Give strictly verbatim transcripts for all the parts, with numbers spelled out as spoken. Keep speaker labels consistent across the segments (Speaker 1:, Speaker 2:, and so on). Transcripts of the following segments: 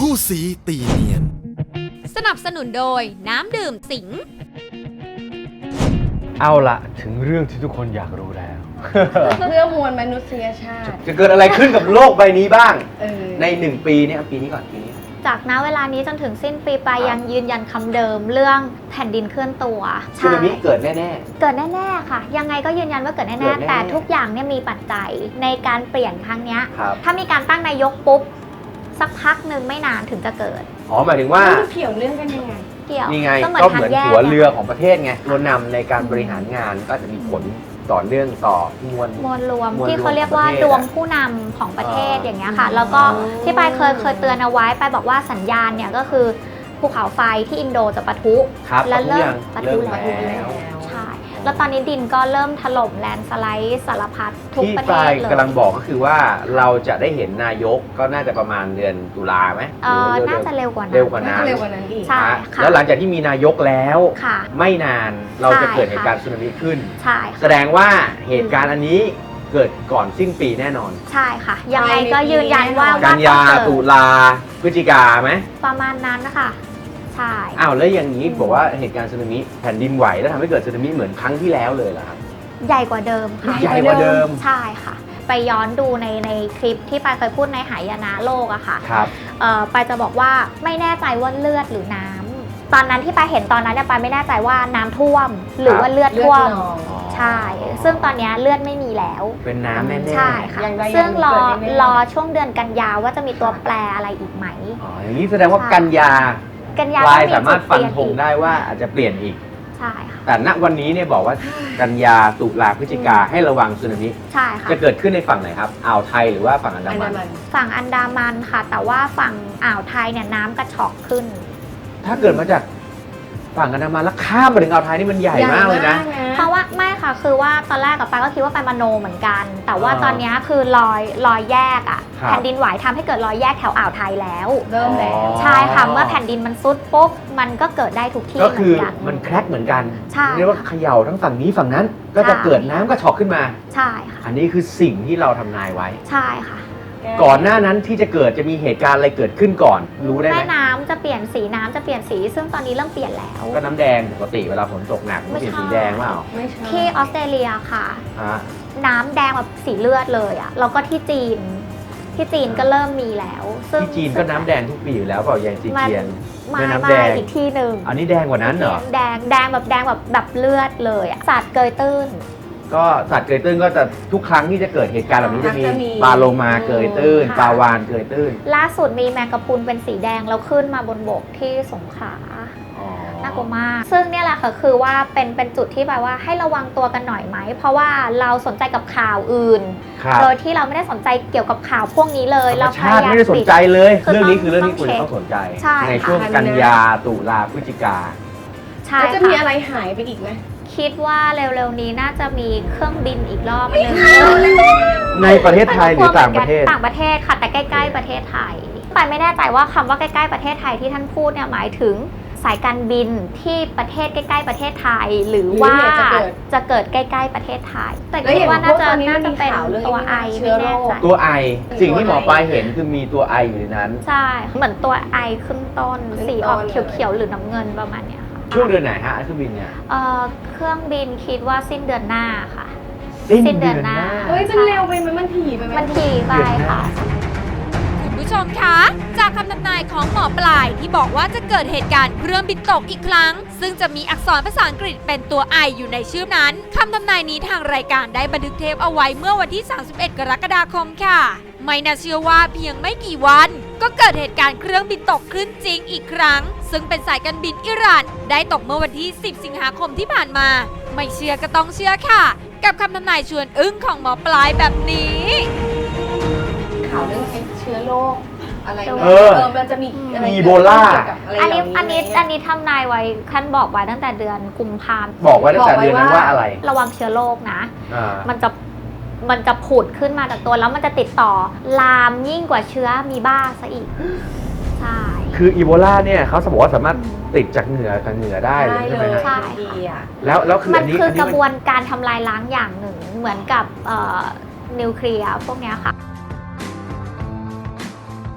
Speaker 1: คู่สีตีเนียน
Speaker 2: สนับสนุนโดยน้ำดื่มสิง
Speaker 3: เอาละถึงเรื่องที่ทุกคนอยากรู้แล้ว
Speaker 4: เพื่อมวลมนุษยชาติ
Speaker 3: จะเกิดอะไรขึ้นกับโลกใบนี้บ้าง
Speaker 4: เออ
Speaker 3: ในหนึ่งปีนี้ปีนี้ก่อนปีนี้
Speaker 5: จากณเวลานี้จนถึงสิ้นปีไปยังยืนยันคำเดิมเรื่องแผ่นดินเคลื่อนตัว
Speaker 3: สึนามิเกิดแน่
Speaker 5: เกิดแน่ๆค่ะ ยังไงก็ยืนยันว่าเกิด
Speaker 3: เกิ
Speaker 5: แน่
Speaker 3: ดแน่ๆ
Speaker 5: ๆแต่ทุกอย่างเนี่ยมีปัจจัยในการเปลี่ยนครั้งนี้
Speaker 3: ๆครับ
Speaker 5: ถ้ามีการตั้งนายกปุ๊บสักพักหนึ่งไม่นานถึงจะเกิด
Speaker 3: อ๋อหมายถึงว่า
Speaker 4: มันเกี่ยวเรื่องกันยังไง
Speaker 5: เกี่ยว
Speaker 3: นี่ไง
Speaker 5: ก็เหมือน
Speaker 3: ก็เห
Speaker 5: ทาง
Speaker 3: มือน
Speaker 5: แยก
Speaker 3: หัวเรือของประเทศไงตัวนำในการบริหารงานก็จะมีผลต่อเนื่องต่อมวล
Speaker 5: มวลรวม
Speaker 3: มวลรวม
Speaker 5: ที่เขาเรียกว่า
Speaker 3: ของประเทศ
Speaker 5: ดวงผู้นำของประเทศ
Speaker 3: อ่า
Speaker 5: อย่างเงี้ยค่ะ แล้วก็ที่ปายเคยเคยเตือนเอาไว้ไปบอกว่าสัญญาณเนี่ยก็คือภูเขาไฟที่อินโดจะปะทุ
Speaker 3: ครับ
Speaker 5: และเริ่ม
Speaker 3: ปะ
Speaker 5: ปะ
Speaker 3: ทุ
Speaker 5: ทุ
Speaker 3: ยัง
Speaker 5: แล้ว
Speaker 3: เริ่มแล้ว
Speaker 5: ใช่ แล้วตอนนี้ดินก็เริ่มถล่มแลนด์สไลด์สารพัดทุก
Speaker 3: ที่
Speaker 5: ประเท
Speaker 3: ปลา
Speaker 5: ศ
Speaker 3: ย
Speaker 5: เลย
Speaker 3: กำลังบอกก็คือว่าเราจะได้เห็นนายกก็น่าจะประมาณเดือนตุลาไหม
Speaker 5: เออ
Speaker 3: หรือ
Speaker 5: น่าจะเร็วกว่านั้น
Speaker 3: เร็วกว่า
Speaker 4: น่า
Speaker 3: นั้น
Speaker 4: จะเร็วกว่านั้นอีก
Speaker 5: ใช่
Speaker 3: นะ
Speaker 5: ค่ะ
Speaker 3: แล้วหลังจากที่มีนายกแล้ว
Speaker 5: ค่ะ
Speaker 3: ไม่นานเราจะ
Speaker 5: ใช่
Speaker 3: เกิดเหตุ
Speaker 5: ค่ะ
Speaker 3: การณ์สึนามิขึ้น
Speaker 5: ใช่
Speaker 3: แสดงว่าเหตุการณ์อันนี้เกิดก่อนสิ้นปีแน่นอน
Speaker 5: ใช่ค่ะ ยังไงก็ยืนยันว่า
Speaker 3: กั
Speaker 5: ว่าน
Speaker 3: ยา
Speaker 5: ต้องเกิด
Speaker 3: ตุลาพฤศจิกาไหม
Speaker 5: ประมาณนั้นนะคะใช่
Speaker 3: อ้าวแล้วอย่างนี้บอกว่าเหตุการณ์สึนามิแผ่นดินไหวแล้วทำให้เกิดสึนามิเหมือนครั้งที่แล้วเลยเหรอครับ
Speaker 5: ใหญ่กว่าเดิมค่ะ
Speaker 3: ใหญ่กว่าเดิม
Speaker 5: ใช่ค่ะ ไปย้อนดูในในคลิปที่ปายเคยพูดในหายนะโลกอะค่ะ
Speaker 3: ครับ
Speaker 5: เอ่อปายจะบอกว่าไม่แน่ใจว่าเลือดหรือน้ำตอนนั้นที่ปายเห็นตอนนั้นเนี่ยปายไม่แน่ใจว่าน้ำท่วม หรือว่าเลือด
Speaker 4: เลือด
Speaker 5: ท่วม
Speaker 4: นอง
Speaker 5: ใช่ ซึ่งตอนเนี้ยเลือดไม่มีแล้ว
Speaker 3: เป็นน้ำแน่ๆ
Speaker 5: ใช่ค่ะ
Speaker 4: อย่างใด
Speaker 5: ซึ่งรอ
Speaker 4: อย่างหนึ่งเกิดแน่ๆ
Speaker 5: รอช่วงเดือนกันยาว่าจะมีตัวแปรอะไรอีกไหม
Speaker 3: อ๋ออย่างนี้แสดงว่า
Speaker 5: ใช่
Speaker 3: กันยา
Speaker 5: กันยา
Speaker 3: ปลาย
Speaker 5: ก็
Speaker 3: สามารถฟันธง
Speaker 5: จุเปลี่ยอีก
Speaker 3: ได้ว่าอาจจะเปลี่ยนอีก
Speaker 5: ใช่ค่ะ
Speaker 3: แต่ณวันนี้เนี่ยบอกว่ากันยาตุลาพฤศจิกาให้ระวังสึนามิ
Speaker 5: ใช่ค่ะ
Speaker 3: จะเกิดขึ้นในฝั่งไหนครับอ่าวไทยหรือว่าฝั่งอันดา
Speaker 4: อัน
Speaker 3: มั
Speaker 4: ดาน มัน
Speaker 5: ฝั่งอันดามันค่ะ แต่ว่าฝั่งอ่าวไทยเนี่ยน้ำกระชอกขึ้น
Speaker 3: ถ้าเกิดมาจากฝั่งอันดามันแล้วข้ามมาถึงอ่าวไทยนี่มันใหญ่มากเลยนะ
Speaker 5: เพราะว่าไม่ค่ะคือว่าตอนแรกกับปายก็คิดว่าไปมโนเหมือนกัน แต่ว่า
Speaker 3: อ่า
Speaker 5: ตอนเนี้ยคือรอยรอยแยกอ่ะ
Speaker 3: ครับ
Speaker 5: แผ่นดินไหวทำให้เกิดรอยแยกแถวอ่าวไทยแล้ว
Speaker 4: เริ่มแล้ว
Speaker 3: อ๋อ
Speaker 5: ใช่ค่ะเมื่อแผ่นดินมันซุดปุ๊บมันก็เกิดได้ทุกที่
Speaker 3: ก็
Speaker 5: เหมื
Speaker 3: คือ
Speaker 5: อนกัน
Speaker 3: มันแครกเหมือนกัน
Speaker 5: ใช่
Speaker 3: เรียกว่าเขย่าทั้งฝั่งนี้ฝั่งนั้น ก็จะ
Speaker 5: ใช่
Speaker 3: เกิดน้ำกระชอกขึ้นมา
Speaker 5: ใช่ค่ะ
Speaker 3: อันนี้คือสิ่งที่เราทำนายไว้
Speaker 5: ใช่ค่ะ
Speaker 3: ก่อนหน้านั้นที่จะเกิดจะมีเหตุการณ์อะไรเกิดขึ้นก่อน รู้ได้ไหม
Speaker 5: แม่น้ำจะเปลี่ยนสีน้ำจะเปลี่ยนสี ซึ่งตอนนี้เริ่มเปลี่ยนแล้ว
Speaker 3: ก็น้ำแดงปกติเวลาฝนตกหนักมัน
Speaker 5: ไม่
Speaker 3: เปลี่ยน
Speaker 5: ใช่
Speaker 3: สีแดงเปล่า
Speaker 4: ไม่ใช่
Speaker 5: ที่ออสเตรเลียค่ะ
Speaker 3: ฮะ
Speaker 5: น้ำแดงแบบสีเลือดเลยอ่ะแล้วก็ที่จีนที่จีนก็เริ่มมีแล้วซึ่ง
Speaker 3: ที่จีนก็น้ำแดงทุกปีอยู่แล้วเปล่าอย่างจีเจียน
Speaker 5: มา
Speaker 3: แม่น้ำ
Speaker 5: มา
Speaker 3: แดง
Speaker 5: อีกที่หนึ่ง
Speaker 3: อันนี้แดงกว่านั้นเหรอ
Speaker 5: แดงแดงแบบแดงแบบแบบเลือดเลยอะสัตว์เกยตื้น
Speaker 3: ก็สัตว์เกยตื้นก็จะทุกครั้งที่จะเกิดเหตุการณ์แบบนี้จะมี
Speaker 4: จะมี
Speaker 3: ปลาโลมาเกยตื้น
Speaker 5: ค่ะ
Speaker 3: ปลาวานเกยตื้น
Speaker 5: ล่าสุดมีแมงกะพรุนเป็นสีแดงแล้วขึ้นมาบนบกที่สงขลา
Speaker 3: อ๋อ
Speaker 5: น่ากลัวมาก ซึ่งเนี่ยแหละค่ะคือว่าเป็นเป็นจุดที่แปลว่าให้ระวังตัวกันหน่อยไหม เพราะว่าเราสนใจกับข่าวอื่น
Speaker 3: ครับ
Speaker 5: โดยที่เราไม่ได้สนใจเกี่ยวกับข่าวพวกนี้เลย
Speaker 3: ธรร
Speaker 5: เรา
Speaker 3: มชาติไม่ได้สนใจเลย เรื่องนี้คือเรื่องที่คุณต้องสนใจ
Speaker 5: ใช่
Speaker 3: ในช่วง
Speaker 4: ค่ะ
Speaker 3: กันยาตุลาพฤศจิกา
Speaker 5: ใช่
Speaker 4: แล้วจะมี
Speaker 5: ค่ะ
Speaker 4: อะไรหายไปอีกไหม
Speaker 5: คิดว่าเร็วๆนี้น่าจะมีเครื่องบินอีกรอบหนึง
Speaker 3: ในประเทศไทยหรือต่างประเทศ
Speaker 5: ต่างประเทศค่ะแต่ใกล้ๆประเทศไทยปายไม่แน่ใจว่าคำว่าใกล้ๆประเทศไทยที่ท่านพูดเนี่ยหมายถึงสายการบินที่ประเทศใกล้ๆประเทศไทย หรือว่า
Speaker 4: หรือเนี่ยจะเกิด
Speaker 5: จะเกิดใกล้ๆประเทศไทย แต่
Speaker 4: แล้ว
Speaker 5: คิ
Speaker 4: อ
Speaker 5: ด
Speaker 4: ย่าง
Speaker 5: ว่าน่าจะ
Speaker 4: พวกตอนนี้
Speaker 5: น่าจะเป็น
Speaker 4: มันมีข่าวเรื่อง
Speaker 5: ตัวไอ
Speaker 4: เชื้
Speaker 5: ไม่
Speaker 4: อโร
Speaker 5: แน่
Speaker 4: ค
Speaker 5: ใจ
Speaker 3: ตัวไอสิ่งที่หมอปลายเห็นคือมีตัวไออยู่ในนั้น
Speaker 5: ใช่เหมือนตัวไอขึ้นต้น
Speaker 4: ขึ้นต้น
Speaker 5: สีออก
Speaker 4: เลย
Speaker 5: เขียวๆหรือน้ำเงินประมาณเนี้ยค่ะ
Speaker 3: ช่วงเดือนไหนฮะเครื่องบินเนี่ย
Speaker 5: เอ่อเครื่องบินคิดว่าสิ้นเดือนหน้าค่ะ
Speaker 3: สิ้นเดือนหน้า
Speaker 4: เฮ้ยมันเร็วไปไหมมันถี่ไปไหม
Speaker 5: มันทีไปค่ะ
Speaker 2: คุณผู้ชมคะ จากคำทำนายของหมอปลายที่บอกว่าจะเกิดเหตุการณ์เครื่องบินตกอีกครั้ง ซึ่งจะมีอักษรภาษาอังกฤษเป็นตัว I อยู่ในชื่อนั้นคำทำนายนี้ทางรายการได้บันทึกเทปเอาไว้เมื่อวันที่ สามสิบเอ็ด กรกฎาคมค่ะ ไม่น่าเชื่อว่าเพียงไม่กี่วัน ก็เกิดเหตุการณ์เครื่องบินตกขึ้นจริงอีกครั้ง ซึ่งเป็นสายการบินอิหร่านได้ตกเมื่อวันที่ สิบ สิงหาคมที่ผ่านมา ไม่เชื่อก็ต้องเชื่อค่ะ กับคำทำนายชวนอึ้งของหมอปลายแบบนี้
Speaker 4: ข่าวเรื่องเชื้อโรคอะไรนะ
Speaker 3: เออ
Speaker 4: มันจะมีอะไร
Speaker 3: อีโบลา
Speaker 4: เกี่ยวกับอะไร
Speaker 5: อันนี้
Speaker 4: เหล่า
Speaker 5: อันนี้
Speaker 4: ไหม
Speaker 5: อันนี้ทำนายไว้ขั้นบอกไว้ตั้งแต่เดือนกุมภาพันธ์
Speaker 3: บอกไว้ตั้งแต่เดือนนั้นว่าอะไร
Speaker 5: ระวังเชื้อโรคนะ
Speaker 3: อ่า
Speaker 5: มันจะมันจะผุดขึ้นมาจากตัวแล้วมันจะติดต่อลามยิ่งกว่าเชื้อมีบ้าซะอีก ใช่
Speaker 3: คืออีโบลาเนี่ยเขาสมมติว่าสามารถติดจากเหงื่อกับเหงื่อได้เลย
Speaker 4: ได้
Speaker 3: ใช่
Speaker 4: เล
Speaker 3: ไหม
Speaker 4: ย
Speaker 3: ฮะ
Speaker 4: ดีอ่ะ
Speaker 3: แล้วแล้วคือ
Speaker 5: มั
Speaker 3: อั
Speaker 5: น
Speaker 3: นนี้
Speaker 5: คือ
Speaker 3: อัน
Speaker 5: ก
Speaker 3: นี้
Speaker 5: ระบวนการทำลายล้างอย่างหนึ่งเหมือนกับเอ่อนิวเคลียร์พวกเนี้ยค่ะ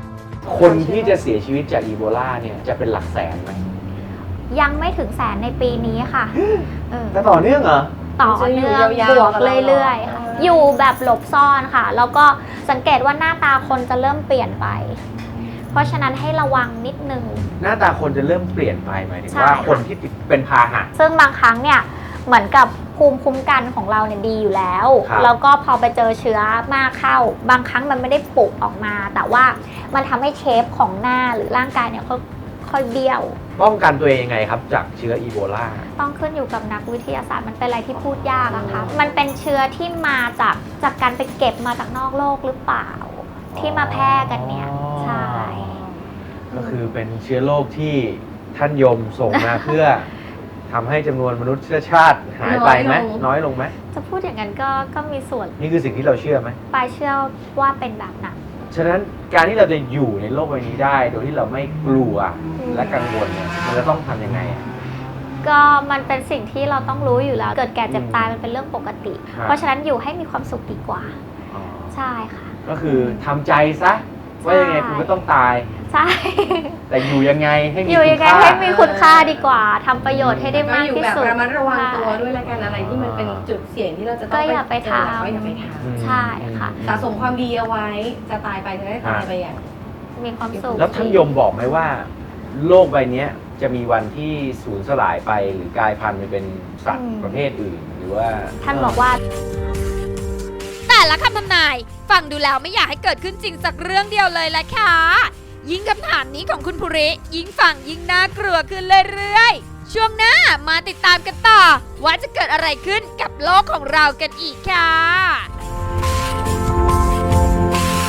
Speaker 3: คนที่จะเสียชีวิตจากอีโบลาเนี่ยจะเป็นหลักแสนไหม
Speaker 5: ยังไม่ถึงแสนในปีนี้ค่ะเออ
Speaker 3: แต่ต่อเนื่องเหรอ
Speaker 5: ต่อเนื่องบวกเรื่อยๆค่ะอยู่แบบหลบซ่อนค่ะ แล้วก็สังเกตว่าหน้าตาคนจะเริ่มเปลี่ยนไป เพราะฉะนั้นให้ระวังนิดนึง
Speaker 3: หน้าตาคนจะเริ่มเปลี่ยนไปหมายถึง
Speaker 5: ใช่
Speaker 3: ว่า
Speaker 5: ค่ะ
Speaker 3: คนที่เป็นพาหะ
Speaker 5: ซึ่งบางครั้งเนี่ยเหมือนกับภูมิคุ้มกันของเราเนี่ยดีอยู่แล้ว
Speaker 3: ครับ
Speaker 5: แล้วก็พอไปเจอเชื้อมากเข้า บางครั้งมันไม่ได้ปลุกออกมา แต่ว่ามันทำให้เชฟของหน้าหรือร่างกายเนี่ยค่อยๆเบี้ยว
Speaker 3: ป้องกันตัวเองยังไงครับจากเชื้ออีโบลา
Speaker 5: ต้องขึ้นอยู่กับนักวิทยาศาสตร์มันเป็นอะไรที่พูดยากอะค่ะ มันเป็นเชื้อที่มาจากจากการไปเก็บมาจากนอกโลกหรือเปล่า ที่มาแพร่กันเนี่ย ใช่
Speaker 3: ก็คือเป็นเชื้อโรคที่ท่านยมส่งมา เพื่อทำให้จำนวนมนุษยชาติหายไปไหมน้อยลงไหม
Speaker 5: จะพูดอย่างนั้นก็ก็มีส่วน
Speaker 3: นี่คือสิ่งที่เราเชื่อไหม
Speaker 5: ปลายเชื่อว่าเป็นแบบนั้น
Speaker 3: ฉะนั้นการที่เราจะอยู่ในโลกใบนี้ได้ โดยที่เราไม่กลัวและกังวลเนี่ยมันจะต้องทำยังไงอะ
Speaker 5: ก็มันเป็นสิ่งที่เราต้องรู้อยู่แล้ว เกิดแก่เจ็บตายมันเป็นเรื่องปกติ
Speaker 3: ครับ
Speaker 5: เพราะฉะนั้นอยู่ให้มีความสุขดีกว่า
Speaker 3: อ๋อ
Speaker 5: ใช่ค่ะ
Speaker 3: ก็คือทำใจซะว่ายังไงคุณก็ต้องตาย
Speaker 5: ใช่
Speaker 3: แต่อยู่ยังไงให้มี
Speaker 5: อยู่ยังไง
Speaker 3: คุณค่า
Speaker 5: ให้มีคุณค่าดีกว่าทำประโยชน์ให้ได้
Speaker 4: ก็
Speaker 5: มาก
Speaker 4: อยู่
Speaker 5: ที่
Speaker 4: แบบ
Speaker 5: สุด
Speaker 4: ระมัดระวังตัว
Speaker 5: ใช่
Speaker 4: ด้วยละกันอะไรที่มันเป็นจุดเสี่ยงที่เราจะต้อง
Speaker 5: ก็อย่าไปทำ
Speaker 4: เจอก็อย่าไปท
Speaker 3: อืม
Speaker 5: ใช่ค่ะ
Speaker 4: ำสะสมความดีเอาไว้จะตายไปจะได้ตายไปอย่าง
Speaker 5: มีความสุข
Speaker 3: แล้วท่านยมบอกไหมว่า โลกใบเนี้ยจะมีวันที่สูญสลายไปหรือกลายพันธุ์ไปเป็นสัตว์ประเภทอื่น หรือว่า
Speaker 5: ท่านบอกว่า
Speaker 2: แต่ละคำทำนายฟังดูแล้วไม่อยากให้เกิดขึ้นจริงสักเรื่องเดียวเลยละค่ะ ยิ่งคำถามนี้ของคุณภูริ ยิ่งฟังยิ่งน่ากลัวขึ้นเรื่อยๆ ช่วงหน้ามาติดตามกันต่อ ว่าจะเกิดอะไรขึ้นกับโลกของเรากันอีกค่ะ